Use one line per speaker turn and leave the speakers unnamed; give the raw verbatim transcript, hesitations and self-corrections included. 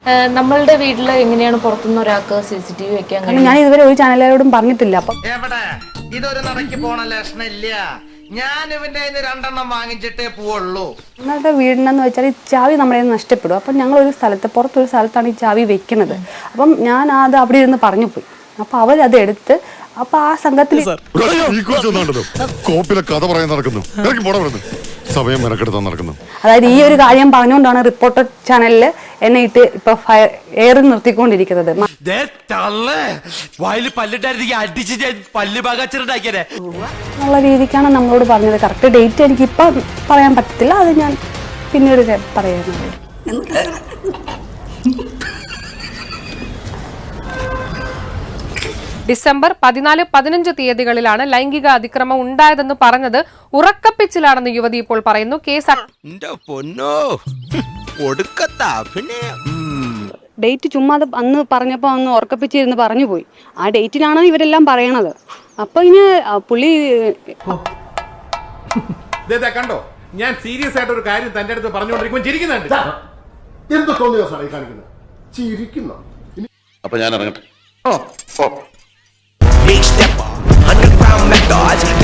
നമ്മളുടെ വീട്ടിൽ എങ്ങനെയാണ് പുറത്തുനിന്ന് ഒരാൾക്ക് സി സി ടി വി വെക്കാൻ?
ഞാൻ ഇതുവരെ ഒരു ചാനലുകാരോടും പറഞ്ഞിട്ടില്ല. അപ്പം
ഇതൊരു നടക്കി പോണ ലക്ഷണില്ല. ഞാൻ ഇവന്റെ രണ്ടെണ്ണം വാങ്ങിച്ചിട്ടേ പോവുള്ളൂ.
ഞങ്ങളുടെ വീടിനെന്ന് വെച്ചാൽ ഈ ചാവി നമ്മുടെ നഷ്ടപ്പെടും. അപ്പം ഞങ്ങളൊരു സ്ഥലത്ത് പുറത്തൊരു സ്ഥലത്താണ് ഈ ചാവി വെക്കുന്നത്. അപ്പം ഞാൻ അത് അവിടെ ഇരുന്ന് പറഞ്ഞു പോയി. അപ്പൊ അവരത് എടുത്ത് അപ്പൊ ആ സംഘത്തിൽ അതായത് ഈ ഒരു കാര്യം പറഞ്ഞുകൊണ്ടാണ് റിപ്പോർട്ടർ ചാനലിൽ എന്നെ ഇട്ട് ഇപ്പൊ എയർ നിർത്തിക്കൊണ്ടിരിക്കുന്നത്. എന്നുള്ള രീതിക്കാണ് നമ്മളോട് പറഞ്ഞത്. കറക്റ്റ് ഡേറ്റ് എനിക്ക് ഇപ്പൊ പറയാൻ പറ്റത്തില്ല, അത് ഞാൻ പിന്നീട് പറയുന്നത്.
ഡിസംബർ പതിനാല് പതിനഞ്ച് തീയതികളിലാണ് ലൈംഗിക അതിക്രമം ഉണ്ടായതെന്ന് പറഞ്ഞത് ഉറക്കപ്പിച്ചിലാണെന്ന് യുവതി ഇപ്പോൾ പറയുന്നു. കേസ്
ഡേറ്റ് ചുമ്മാ അന്ന് പറഞ്ഞപ്പോ അന്ന് ഉറക്കപ്പിച്ചിരുന്ന് പറഞ്ഞു പോയി. ആ ഡേറ്റിലാണ് ഇവരെല്ലാം പറയണത്. അപ്പൊ ഇനി പുള്ളി
കണ്ടോ, ഞാൻ സീരിയസ് ആയിട്ട് ഒരു കാര്യം തന്റെ അടുത്ത് പറഞ്ഞുകൊണ്ടിരിക്കുമ്പോൾ ചിരിക്കുന്നുണ്ട്.
എന്ത് തോന്നിയോ സാറേ കാണിക്കുന്നത്? ചിരിക്കുന്നു.
അപ്പൊ ഞാൻ ഇറങ്ങട്ടെ.
Big stepper, underground methods.